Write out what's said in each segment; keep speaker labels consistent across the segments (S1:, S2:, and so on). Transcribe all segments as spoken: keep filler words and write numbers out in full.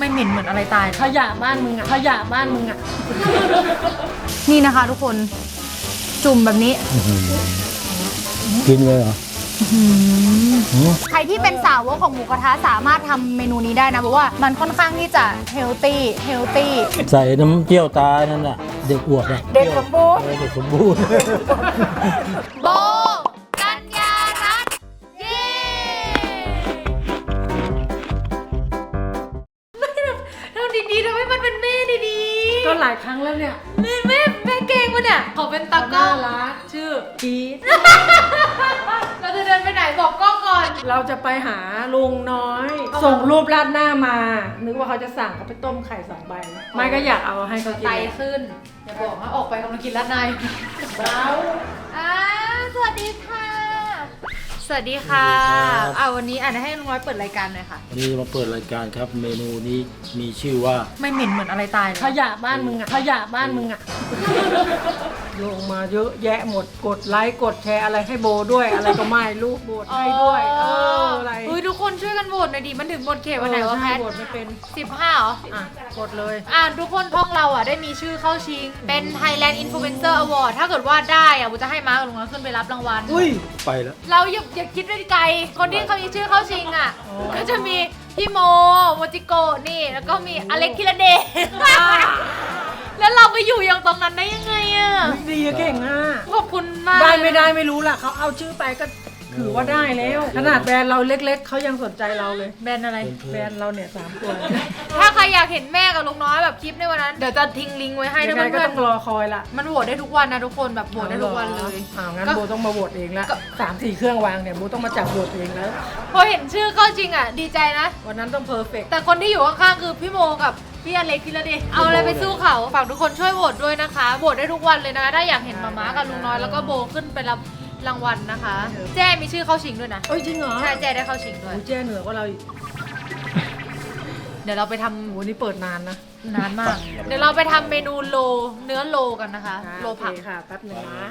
S1: ไม่เหม็นเหมือนอะไรตายขยะบ้านมึงอะขยะบ้านมึงอะนี่นะคะทุกคนจุ่มแบบนี้
S2: กินเลยเหรอ
S1: ใครที่เป็นสาวกของหมูกระทะสามารถทำเมนูนี้ได้นะเพราะว่ามันค่อนข้างที่จะเฮลตี้เฮลตี้
S2: ใส่น้ำเจียวตานั่นแหละเด็กอวบอะ
S1: เด็กสมบูรณ์
S2: เด็กสมบูรณ์
S1: โบกัญญารัตน์เย้ทำดีๆทำให้มันเป็นแม่ดีๆก็หลายครั้งแล้วเนี่ยแม่แม่แม่เก่งวะเนี่ยขอเป็นตากล้องรักชื่อพีทเราจะเดินไปไหนบอกกล้องก่อนเราจะไปหาลุงน้อยส่งรูปราดหน้ามานึกว่าเขาจะสั่งเขาไปต้มไข่สองใบไม่ก็อยากเอาให้เขากินไตขึ้นอย่าบอกว่าออกไปกำลังกินราดหน้าเบาอ่าสวัสดีค่ะสวัสดีค่ะเอาวันนี้อ่านให้ลุงน้อยเปิดรายการหน่อยค่ะ
S2: วันนี้มาเปิดรายการครับเมนูนี้มีชื่อว่า
S1: ไม่เหม็นเหมือนอะไรตายขยะบ้านมึงอะขยะบ้านมึงอะลงมาเยอะแยะหมดกดไลค์กดแชร์อะไรให้โบด้วยอะไรก็ไม่ลูกโบดให้ด้วยเอออะไรเฮ้ยทุกคนช่วยกันโหวตหน่อยดิมันถึงหมดเขตวันไหนวะแพทโหวตไม่เป็นสิบห้าเหรออ่ะกดเลยอ่านทุกคนท้องเราอ่ะได้มีชื่อเข้าชิงเป็น Thailand Influencer Award ถ้าเกิดว่าได้อ่ะบูจะให้มาร์คกับลุงน้อยขึ้นไปรับรางวัล
S2: อุ้ยไปแล้ว
S1: เราอย่าอย่าคิดไปไกลคนที่เขามีชื่อเข้าชิงอ่ะก็จะมีพี่โมโมจิโกะนี่แล้วก็มีอเล็กคิระเดชแล้วเราไปอยู่อย่างตรงนั้นได้ยังไงอ่ะดีเก่งอ่ะขอบคุณมากได้ไม่ได้ไม่รู้ล่ะเขาเอาชื่อไปก็ถือว่าได้แล้วขนาดแบรนด์เราเล็กๆเขายังสนใจเราเลยแบรนด์อะไรแบรนด์เราเนี่ยสามตัวถ้าใครอยากเห็นแม่กับลุงน้อยแบบคลิปในวันนั้นเดี๋ยวจะทิ้งลิงก์ไว้ให้ด้วยก็ต้องรอคอยละมันโหวตได้ทุกวันนะทุกคนแบบโหวตได้ทุกวันเลยอ้าวงั้นโบต้องมาโหวตเองละสามสี่เครื่องวางเนี่ยโบต้องมาจับโหวตเองแล้วพอเห็นชื่อก็จริงอ่ะดีใจนะวันนั้นต้องเพอร์เฟกต์แต่คนที่อยู่ข้างๆคือพี่โมกับพี่อเล็กพี่ละดิเอาอะไรไปสู้เขาฝากทุกคนช่วยโหวตด้วยนะคะโหวตได้ทุกวันเลยนะถ้าอยากเห็นมาม่ากับลุงน้อยแล้วก็โบขึ้นไปรับรางวัลนะคะแจ้มีชื่อเข้าชิงด้วยนะเอ้ยจริงเหรอใช่แจ้ได้เข้าชิงด้วยแจ้เหนือกว่าเราอีกเดี๋ยวเราไปทำวันนี้เปิดนานนะนานมากเดี๋ยวเราไปทำเมนูโลเนื้อโลกันนะคะโลผักค่ะแป๊บนึงนะ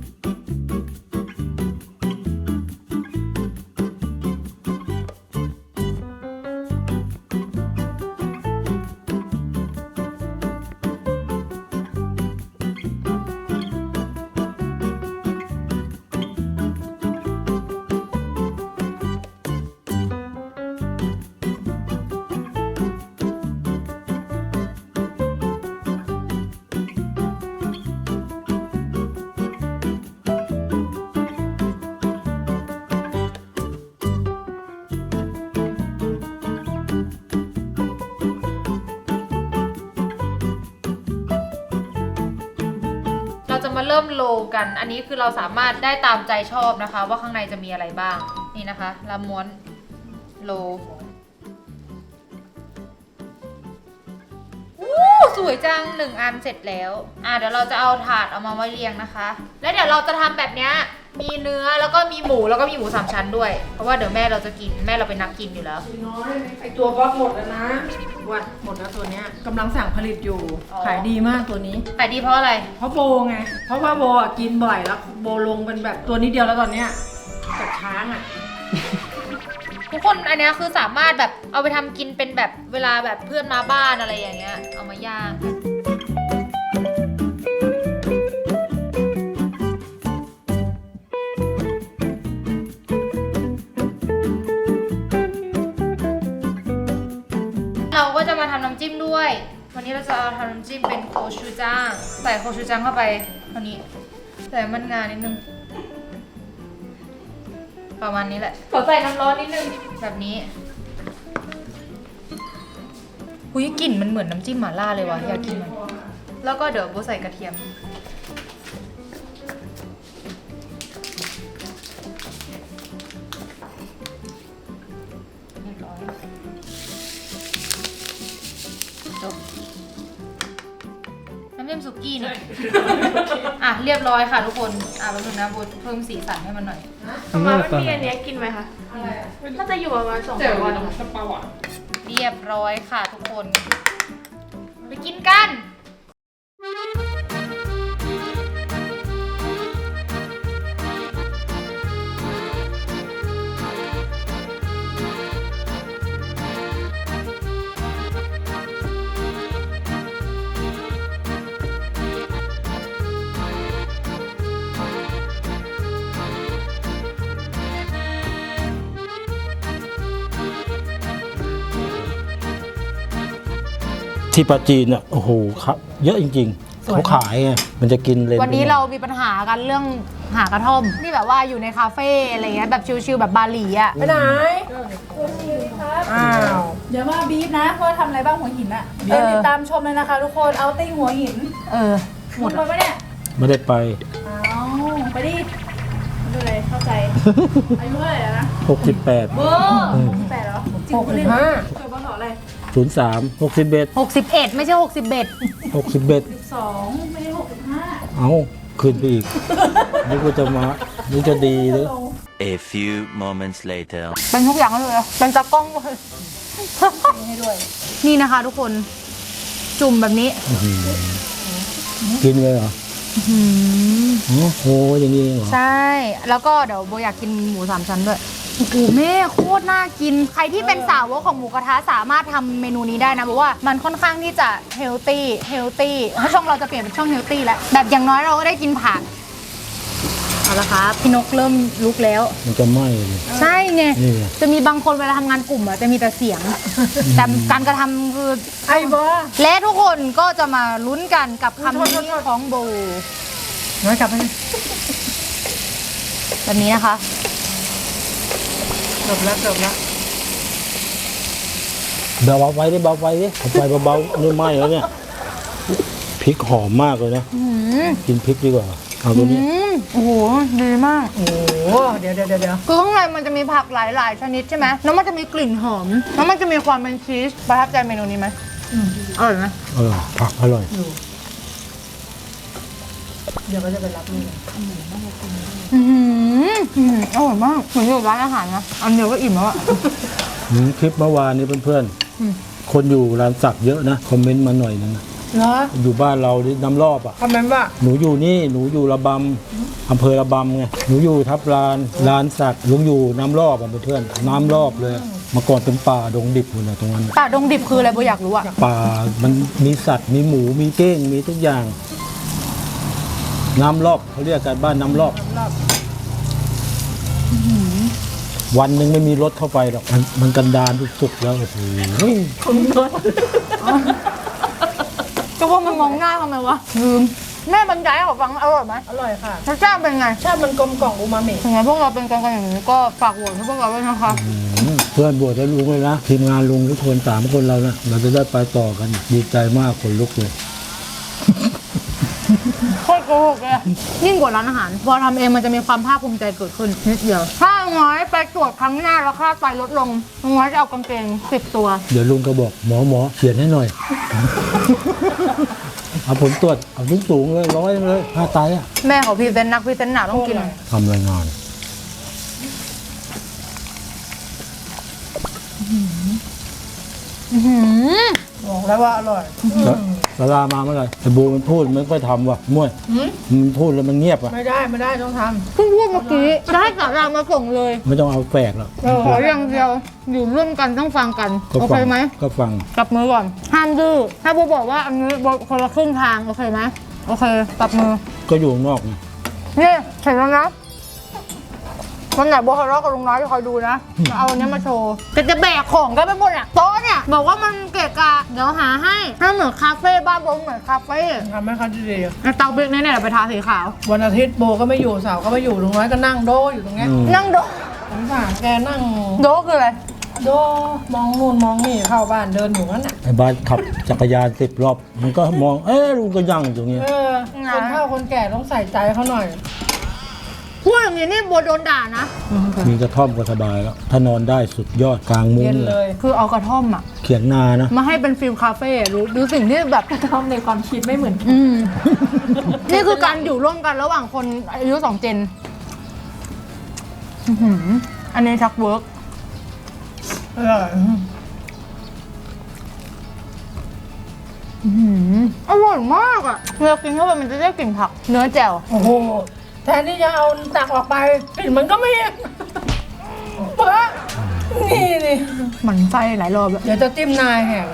S1: เราจะมาเริ่มโลกัน อันนี้คือเราสามารถได้ตามใจชอบนะคะว่าข้างในจะมีอะไรบ้าง นี่นะคะเราม้วนโลอู้สวยจังหนึ่งอันเสร็จแล้วอ่ะเดี๋ยวเราจะเอาถาดเอามาไว้เรียงนะคะ แล้วเดี๋ยวเราจะทำแบบนี้มีเนื้อแล้วก็มีหมูแล้วก็มีหมูสามชั้นด้วยเพราะว่าเดี๋ยวแม่เราจะกินแม่เราเป็นนักกินอยู่แล้วน้อยไอตัวบล็อกหมดแล้วนะว่าหมดแล้วตัวเนี้ยกำลังสั่งผลิตอยู่ขายดีมากตัวนี้ขายดีเพราะอะไรเพราะโบไงเพราะว่าโบอ่ะกินบ่อยแล้วโบลงเป็นแบบตัวนี้เดียวแล้วตอนเนี้ยกับช้างอ่ะทุกคนอันนี้คือสามารถแบบเอาไปทำกินเป็นแบบเวลาแบบเพื่อนมาบ้านอะไรอย่างเงี้ยเอามาย่างเราก็จะมาทำน้ำจิ้มด้วยวันนี้เราจะเอาทำน้ำจิ้มเป็นโคชูจังใส่โคชูจังเข้าไปเท่านี้ใส่มันงานิดนึงประมาณนี้แหละขอใส่น้ำร้อนนิดนึงแบบนี้หุยกลิ่นมันเหมือนน้ำจิ้มหม่าล่าเลยวะอยากกินมันแล้วก็เดี๋ยวโบใส่กระเทียมน้ำจิ้มสุกี้เนี่ยอ่ะเรียบร้อยค่ะทุกคนอ่ะแป๊บนึงนะโบเพิ่มสีสันให้มันหน่อย
S3: ประมาณมันมีอันนี้กินไหมคะน่าจะอยู่ประมาณสองวัน
S1: เรียบร้อยค่ะทุกคนไปกินกัน
S2: ที่ปาจีนอ่ะโอ้โหครับเยอะจริงๆเขาขายไงมันจะกินเลน
S1: วันนี้เรามีปัญหากันเรื่องหากระท่อมที่แบบว่าอยู่ในคาเฟ่อะไรเงี้ยแบบชิลๆแบบบาหลีอ่ะ
S4: ไปไหน อ้าว
S5: เดี๋ยวมาบีบนะว่าทำอะไรบ้างหัวหินอะเดี๋ยวติดตามชมเลยนะคะทุกคนเอาติ้งหัวหิน
S1: เออ
S5: หมดไปปะเนี่ย
S2: ไม่ได้ไป
S5: เอาไปดิดูเลยเข้าใจ อายุเท่าไหร่แล้วนะ
S2: หกสิบแปด
S5: เบอร์แปดเหรอจริง
S4: หก
S5: คุณ
S4: สิ
S5: เล่
S4: บ
S5: น
S4: ห้า
S5: เกิดบ้านหรออะไร
S2: ศูนย์สามหกสิบเอ็ด
S1: หกสิบเอ็ดไม่ใช่หกสิบเอ็ด
S2: หกสิบเอ็ด
S5: สองไม่ได้หกสิบห้า
S2: เอาขึ้นไปอีกนี่ก็จะมานี่จะดีเลย
S6: A few moments later.
S1: เป็นทุกอย่างเลยเป็นตากล้องเลย
S5: ให้ด้วย
S1: นี่นะคะทุกคนจุ่มแบบนี้
S2: กินเลยเหรอ
S1: หืม
S2: โอ้โหอย่างนี้เองเหรอ
S1: ใช่ แล้วก็เดี๋ยวโบอยากกินหมูสามชั้นด้วยโอ้โหแม่โคตรน่ากิน ใครที่เป็นสาวกของหมูกระทะสามารถทำเมนูนี้ได้นะเพราะว่ามันค่อนข้างที่จะเฮลตี้เฮลตี้ช่องเราจะเปลี่ยนเป็นช่องเฮลตี้แล้วแบบอย่างน้อยเราก็ได้กินผักเอาละครับพี่นกเริ่มลุกแล้ว
S2: มันจะไหม้เลย
S1: ใช่ไง
S2: นี่ไง
S1: จะมีบางคนเวลาทำงานกลุ่มอะจะมีแต่เสียง แต่การกระทำคือ
S4: ไอ้บอ
S1: และทุกคนก็จะมาลุ้นกันกับคำนี้ของโบ
S4: น้อยกลับไป
S1: แบบนี้นะคะ
S4: จบแล้วจบแล้ว
S2: เบาๆไว้ดิเบาไฟดิเอาไฟเบาๆนี่ไหม้แล้วเนี่ยพริกหอมมากเลยนะ
S1: อืม
S2: กินพริกดีกว่าเอาตัวนี้
S1: อืมโอ้โหดีมาก
S4: โอ้โหเดี๋ยวเดี๋ยวเดี๋ยวเดี๋ยว
S1: คือข้างในมันจะมีผักหลาย ๆ ชนิดใช่ไหมแล้วมันจะมีกลิ่นหอม แล้วมันจะมีความเป็นชีส ประทับใจเมนูนี้ไหมอร่อยไหม
S2: เออผักอร่อย
S4: เดี๋ยวก็จะไปรับนี่
S1: อืมอืมอร่อยมาก เหมือนอยู่ร้านอาหารนะ อันเดียวก็อิ่มแล้วอะ
S2: อืมคลิปเมื่อวานนี้เพื่อน
S1: อืม
S2: ๆ คนอยู่ร้านสักเยอะนะ คอมเมนต์มาหน่อยนึงนะ
S4: เหรอ
S2: อยู่บ้านเราที่น้ำรอบอ่ะ
S4: คอมเมนต์ว่า
S2: หนูอยู่นี่หนูอยู่ระบำอำเภอระบำไงหนูอยู่ทับลานลานสักลุงอยู่น้ำรอบอ่ะเพื่อนๆน้ำรอบเลยเมื่อก่อนเป็นป่าดงดิบอยู่นะตรงนั้น
S1: ป่าดงดิบคืออะไรโบอยากรู้อะ
S2: ป่ามันมีสัตว์มีหมูมีเก้งมีทุกอย่าง น้ำรอบเขาเรียกกันบ้านน้ำรอบวันหนึ่งไม่มีรถเข้าไปหรอกมันมันกันดารสุดๆแล้วโอ้โห
S1: จะว่ามันมองหน้าทำไมวะลืมแม่บรรยายให้เขาฟังอร่อยไหม
S4: อร่อยค่ะ
S1: รสชาติเป็นไง
S4: ชาติมันกลมกล่อมอูมามิ
S1: ถึงแม้พวกเราเป็นกันกันอย่างนี้ก็ฝากโหวตให้พวกเราด้วยนะคะ
S2: อืมเพื่อนบวชแล้วลุงเลยนะทีมงานลุงทุกคนสามคนเรานะเราจะได้ไปต่อกันดีใจมากคนลุกเลย
S1: โคตรโกหกเลยยิ่งกว่าร้านอาหาร พอทำเองมันจะมีความภาคภูมิใจเกิดขึ้นนิดเดียว ถ้าน้อยไปตรวจครั้งหน้าแล้วค่าไฟลดลงน้อยจะเอากางเกงสิบตัว
S2: เดี๋ยวลุงก็บอกหมอหมอเขียนให้หน่อย เอาผลตรวจเอาสูงสูงๆเลยร้อยเลยค่าไตอ่ะ
S1: แม่ของพี่เป็นนักพรีเซนต์หนาต้องกิน
S2: ทำรายงาน
S1: อื้อหือ
S4: บอกแล้วว่าอร่อย
S2: แล้วลาลามาเมื่อไหร่ไอ้บูมันพูดมันไม่ค่อยทำว่ะมั่วยมันพูดแล้วมันเงียบอ่ะ
S4: ไม่ได้ไม่ได้ต้องท
S1: เพิ่งพูดเมื่อกี้จะให้สารามาส่งเลย
S2: ไม่ต้องเอาแฝกหรอก
S1: ขออย่างเดียวอยู่ร่วมกันต้องฟังกัน
S2: ก็
S1: โอ
S2: ฟั
S1: เคไหม
S2: ก็ฟัง
S1: จับมือก่อนห้ามดื้อถ้าโบบอกว่าอันนี้โบคนละครึ่งทางโอเคไหมโอเคจับมือ
S2: ก็อยู่ข้างนอกไง
S1: นี่เสร็จแล้วนะวันไหนโบทะเลาะกับลุงน้อยคอยดูนะจะเอาอันนี้มาโชว์แต่จะแบกของกันไปหมดอ่ะโต๊ะเนี่ยบอกว่ามันเกะกะเดี๋ยวหาให้ถ้าเหมือนคาเฟ่บ้านโบเหมือนคาเฟ่
S4: ำทำให้เขาดี
S1: แล้วเตาเบรกเนี่ยเดี๋ยวไปทาสีขาว
S4: ๆวันอาทิตย์โบก็ไม่อยู่เสาร์ก็ไม่อยู่ลุงน้อยก็นั่งโดอยู่ตรงเนี้ย
S2: อืม
S1: นั่งโด
S4: สงสารแกนั่ง
S1: โดคืออะไร
S4: โดมองนู่นมองนี่เข้าบ้านเดินอยู่นั่นน่ะ
S2: ไอ้บ้านขับจักรยานสิบรอบ มันก็มองเอ๊ะลุงก็ยั่งอยู่ตรงเนี้ย
S4: เออคนเฒ่าคนแก่ต้องใส่ใจเขาหน่อย
S1: พูดอย่างนี้นี่โบโดนด่านะ
S2: มีกระท่อมก็สบายแล้ว ถ้านอนได้สุดยอดกลางมุ้ง
S4: เย็น
S2: เล
S4: เลย ย
S1: คือเอากระท่อมอ่ะ
S2: เขียงนานะ
S1: มาให้เป็นฟิลคาเฟ่รู้ดูสิ่งที่แบบ
S3: กระท่อมในความคิดไม่เหมือนกัน
S1: อืม นี่คือการอยู่ร่วมกันระหว่างคนอายุสองเจนอื้อหืออันนี้ชักเวิร์ก
S4: อร่อย
S1: อื้อหืออร่อยมากอ่ะเวลากินเข้าไปมันจะได้กลิ่นผัก เนื้อแจ่ว
S4: โอ้โหแทนที่จะเอาตักออกไปกลิ่นมันก็ไม่เปิดนี่นี่
S1: หมันไส้หลายรอบแล้ว
S4: เดี๋ยวจะจิ้มนายแห่ง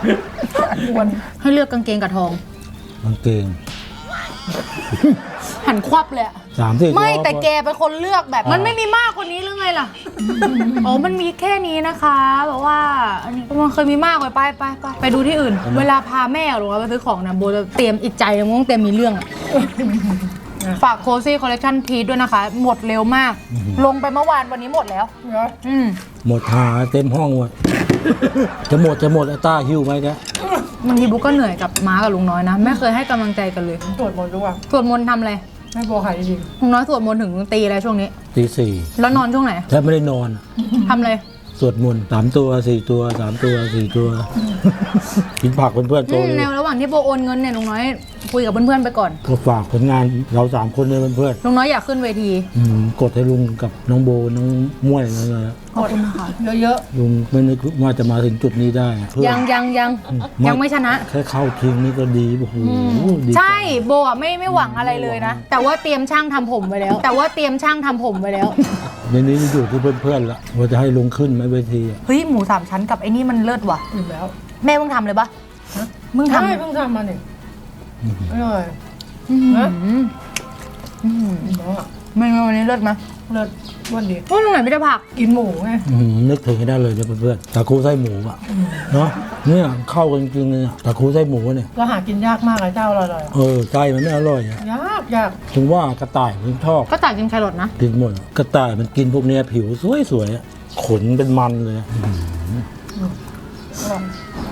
S4: วน
S1: ให้เลือกกางเกงกับทอง
S2: กางเกง
S1: ให้หันควับเลยอะ
S2: สามสี่ตัว
S1: ไม่แต่แกเป็นคนเลือกแบบมันไม่มีมากกว่านี้หรือไงล่ะ อ๋อมันมีแค่นี้นะคะแบบว่าอันนี้มันเคยมีมากกว่าไปไปไปไปดูที่อื่น เวลาพาแม่หรือว่าไปซื้อของนะโบจะเตรียมอิจใจเลยมึงต้องเตรียมมีเรื่องอะฝากโคซี่คอลเลคชันพีทด้วยนะคะ หมดเร็วมาก ลงไปเมื่อวานวันนี้หมดแล้ว
S4: เหรอ
S1: อืม
S2: หมดหาเต็มห้องเลย จะหมดจะหมดไอ้ต้าหิ้วไหมเนี่ย
S1: บางทีบุ๊กก็เหนื่อยกับม้ากับลุงน้อยนะไม่เคยให้กำลังใจกันเลย
S4: ตรวจหมดด้วย
S1: สวดมนต์ทำอะไร
S4: ให้โบหายจริง
S1: ลุงน้อยสวดมนต์ถึงตีอะไรช่วงนี้
S2: ตีสี่
S1: แล้วนอนช่วงไหน
S2: แทบไม่ได้นอนอะ
S1: ทำอะไร
S2: สวดมนต์สามตัวสี่ตัวสามตัวสี่ตัว กินผักเพื่อนๆโต
S1: อืม
S2: เลย
S1: แนวระหว่างที่โบโอนเงินเนี่ยลุงน้อยคุยกับเพื่อนๆไปก่อน
S2: ก็ฝากผลงานเราสามคนเลยเพื่อน
S1: ลุงน้อยอยากขึ้นเวที
S2: ๆอืมกดให้ลุงกับน้องโบน้องม่วยนั่นเลย
S1: ขอบคุณค่ะ
S4: ๆเยอะ
S2: ลุงไม่นึกว่าจะมาถึงจุดนี้ได้เพื่อน
S1: ยังยังยัง
S2: อืม
S1: ยังไม่ชนะ
S2: แค่เข้าทีมนี่ก็ดีโอ้โหดี
S1: ใช่โบอ่ะไม่ไม่หวังอะไรเลยนะ แต่ว่าเตรียมช่างทำผมไว้แล้ว แต่ว่าเตรียมช่างทำผมไว้แล้ว
S2: ในนี้อยู่ที่เพื่อนๆละว่าจะให้ลุงขึ้นไหมเวทีอะ
S1: เฮ้ยหมูสามชั้นกับไอ้นี่มันเลิศว่ะ
S4: ๆอยู่แล้ว
S1: แม่เพิ่งทำเลยปะมึง
S4: ใช่
S1: ทำ
S4: เพิ่งทำมาเนี่ยอร่อย
S1: อืม
S4: ฮะ
S1: อืม
S4: เนาะ
S1: เมนูวันนี้เลิศไหม
S4: เลิศอ้วันดี
S1: ว่าตรงไหนไม่ได้ผัก
S4: กินหมูไง
S2: อื้อหือนึกถึงให้ได้เลยเนี่ยเพื่อนๆตะคูไส้หมูอ่ะเนาะเนี่ยเข้ากันจริงๆเลยอะตะคูไส้หมูเนี่ย
S4: ก็หากินยากมากเลยเจ้าอร่อย
S2: เออไส้มันไม่อร่อยอะ
S4: ๆยากยาก
S2: ถึงว่ากระต่ายมันชอบ
S1: ก็จ่ายกินแครอทนะ
S2: กินหมดอะกระต่ายมันกินพวกเนี้ยผิวสวยๆอะขนเป็นมันเลยอะ
S4: อร่อย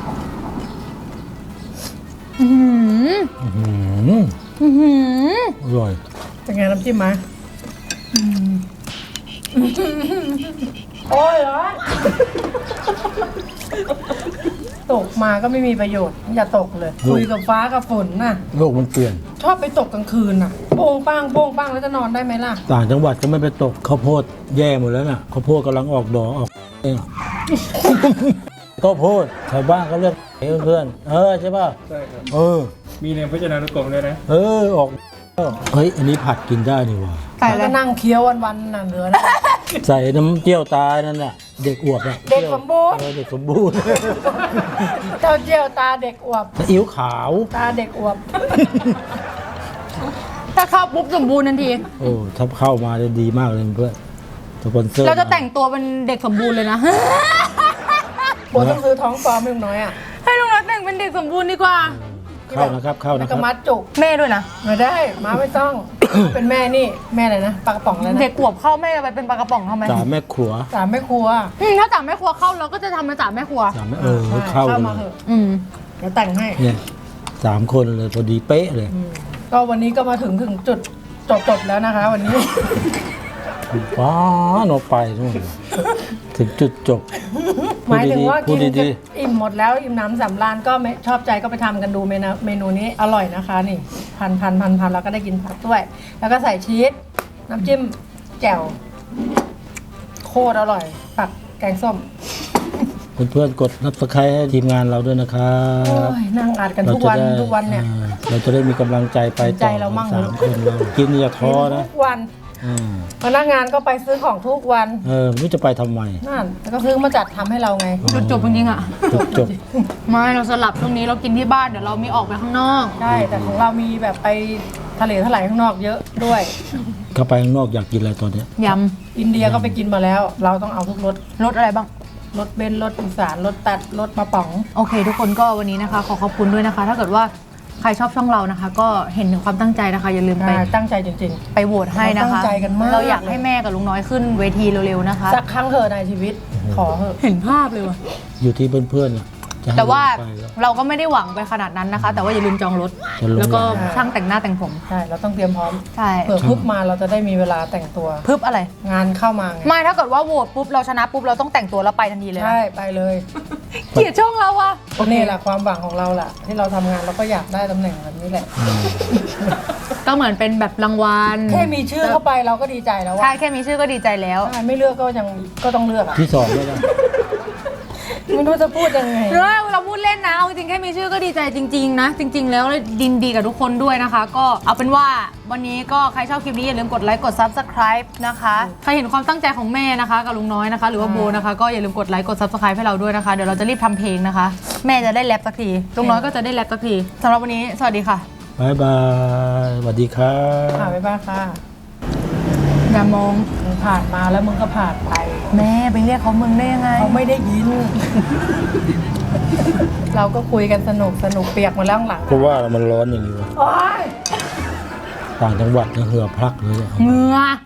S1: อือหือ
S2: อื้อหือ
S1: อือหือ
S2: อร่อย
S4: เป็นไงน้ำจิ้มไหมโอ้ยร้อนตกมาก็ไม่มีประโยชน์ อย่าตกเลย คุยกับฟ้ากับฝนน่ะ
S2: โลกมันเปลี่ยน
S4: ชอบไปตกกลางคืนน่ะโป้งป้างโป้งป้างแล้วจะนอนได้ไหมล่ะ
S2: ต่างจังหวัดก็ไม่ไปตกข้าวโพดแย่หมดแล้วน่ะข้าวโพดกำลังออกดอกออกเองอะ ข้าวโพดชาวบ้านเขาเรียกเพื่อนๆเออใช่ป่ะ
S7: ใช่ครับ
S2: เออ
S7: มีในพจนานุกรมด้วยนะ
S2: เออออกเฮ้ยอันนี้ผัดกินได้นี่หว่า
S1: ใส่
S4: แล้ว
S1: เล
S4: ก็
S1: ย
S4: นั่งเคี้ยววันๆน่ะเหลือนะ
S2: ใส่น้ำเจียวตายนั่นน่ะเด็กอวบอะ
S4: เด็กสมบูรณ์
S2: เออเด็กสมบูรณ์
S4: เจ้าเจียวตาเด็กอวบ
S2: ซีอิ๊วขาว
S4: ตาเด็กอวบ
S1: ถ้าเข้าปุ๊บสมบูรณ์ทันที
S2: โอ้ถ้าเข้ามาได้ดีมากเลยเพื่อนสปอนเซอร์
S1: เราจะแต่งตัวเป็นเด็กสมบูรณ์เลยนะ
S4: โบต้องซื้อท้องฟอร์มให้ลุงน้อยอ่ะ
S1: ให้ลุงน้อยแต่งเป็นเด็กสมบูรณ์ดีกว่า
S2: เข้านะครับเข้า
S4: แล้
S2: นะ
S4: ว
S2: ค
S4: ก็
S2: รับ
S4: มัดจุก
S1: แม่ด้วยนะ
S4: ไม่ได้ม้าไม่ต้อง เป็นแม่นี่แม่อะไรนะปลากระป๋องเลยนะ
S1: เด็กขวบเข้าแม่จะไปเป็นปลากระป๋องทำไม
S2: สามแม่ครัว
S4: สามแม่ครัว
S1: อืมถ้าจ่าแม่ครัวเข้าเราก็จะทำเป็นจ่าแม่ครัว
S2: สามแม่เออ
S4: ใช่
S2: เข้า
S4: เข้า
S2: เล
S4: มาเถ
S2: ย
S4: อะ
S1: อืม
S4: เดี๋ยวแต่งให้
S2: เนี่ยสามคนเลยพอดีเป๊ะเลย
S4: อืมก็วันนี้ก็มาถึงถึงจุดจบจบแล้วนะคะ วันนี้
S2: ว้าโนไปนู่นถึงจุดจบ
S4: หมายถึงว่า
S2: พู
S4: กิ
S2: ด
S4: น
S2: ดี
S4: อิ่มหมดแล้วอิ่มน้ำสำราญก็ไม่ชอบใจก็ไปทำกันดูเมนูเมนูนี้อร่อยนะคะนี่พันพันพันพันแล้วก็ได้กินผักด้วย แล้วก็ใส่ชีสน้ำจิ้มแจ่วโคตรอร่อยปักแกงส้ม
S2: ๆเพื่อนๆกดนับสไครต์ให้ทีมงานเราด้วยนะครับ
S4: โอ้ยนั่งอัดกันทุกวัน
S2: เราจะได้
S4: ทุกวันเนี่ย
S2: อ่าเราจะได้มีกำลังใจไปต่อ
S4: ใจเรามั่ง
S2: สามคนเรากินอย่าท้อนะ
S4: ทุกวัน
S2: อ่า
S4: พนักงานก็ไปซื้อของทุกวัน
S2: เออไม่รู้จะไปทำไม
S4: นั่นแล้วก็ซื้อมาจัดทำให้เราไง
S1: จุดจบจริงๆอ่ะ
S2: จบจบ
S1: ไม่เราสลับตรงนี้เรากินที่บ้านเดี๋ยวเรามีออกไปข้างนอก
S4: ใช่แต่ของเรามีแบบไปทะเลทลายข้างนอกเยอะด้วย
S2: เข้าไปข้างนอกอยากกินอะไรตอนเนี้ย
S1: ย
S4: อินเดียก็ไปกินมาแล้ว เราต้องเอาทุกรส
S1: ำรสอะไรบ้าง
S4: รสเบนซ์รสอีสานรสตัดรสมะป๋อง
S1: โอเค ทุกคนก็วันนี้นะคะ ขอขอบคุณด้วยนะคะ ถ้าเกิดว่าใครชอบช่องเรานะคะ ก็เห็นถึงความตั้งใจนะคะ อย่าลืมไป
S4: อ่าตั้งใจจริง
S1: ไปโหวตให้นะคะ
S4: เราตั้งใจกันมาก
S1: เราอยากให้แม่กับลุงน้อยขึ้นเวทีเร็วๆนะคะ
S4: ๆ สักครั้งเถอะในชีวิต ขอเถอะ
S1: เห็นภาพเลยว่ะ
S2: อยู่ที่เพื่อนๆน่ะจะให้
S1: แต่ว่า
S2: ไปแล้ว
S1: เราก็ไม่ได้หวังไปขนาดนั้นนะคะ แต่ว่าอย่าลืมจองรถ
S2: จะลง
S1: แล้วก็ช่างแต่งหน้าแต่งผม
S4: ใช่เราต้องเตรียมพร้อม
S1: ใช่
S4: เผื่อพุบมาเราจะได้มีเวลาแต่งตัว
S1: พึบอะไร
S4: งานเข้ามาไง
S1: ไม่ถ้าเกิดว่าโหวตปุ๊บเราชนะปุ๊บเราต้องแต่งตัวแล้วไปทันทีเลยนะ
S4: ใช่ไปเลย
S1: เกลียดช่องเราอะ
S4: ก็นี่แหละความหวังของเราแหละที่เราทำงานเราก็อยากได้ตำแหน่งแบบนี้แหละ
S1: ก็เหมือนเป็นแบบรางวัล
S4: แค่มีชื่อเข้าไปเราก็ดีใจแล้ว
S1: ใช่
S4: ว่า
S1: แค่มีชื่อก็ดีใจแล้ว
S4: ใช่ไม่เลือกก็ยังก็ต้องเลือกอ่ะ
S2: ที่สองแล้วกัน
S4: ไม่รู้จะพูดยังไง
S1: เรื่องเราพูดเล่นนะเอาจริงๆแค่มีชื่อก็ดีใจจริงๆนะ จริง ๆ แล้วดินดีกับทุกคนด้วยนะคะ ก็เอาเป็นว่าวันนี้ก็ใครชอบคลิปนี้อย่าลืมกดไลค์กด Subscribe นะคะใครเห็นความตั้งใจของแม่นะคะกับลุงน้อยนะคะ หรือว่าโบนะคะก็อย่าลืมกดไลค์กด Subscribe ให้เราด้วยนะคะเดี๋ยวเราจะรีบทำเพลงนะคะ แม่จะได้แรปสักทีลุงน้อยก็จะได้แรปสักทีสำหรับวันนี้สวัสดีค่ะ
S2: บายบายสวัสดีครั
S4: ค่ะ
S2: บ
S4: บ๊ายบายค่ะอย่ามองมึงผ่านมาแล้วมึงก็ผ่านไป
S1: แม่ไปเรียกเขามึงได้ยังไง
S4: เขาไม่ได้ยิน เราก็คุยกันสนุกสนุกเปียกหมาแล้วข้างหลัง
S2: เพราะว่ามันร้อนอย่างนี้วะ
S4: โอ๊ย
S2: ต่างจังหวัดเนี่ยเหือพลักเลยอะ
S1: เหงือ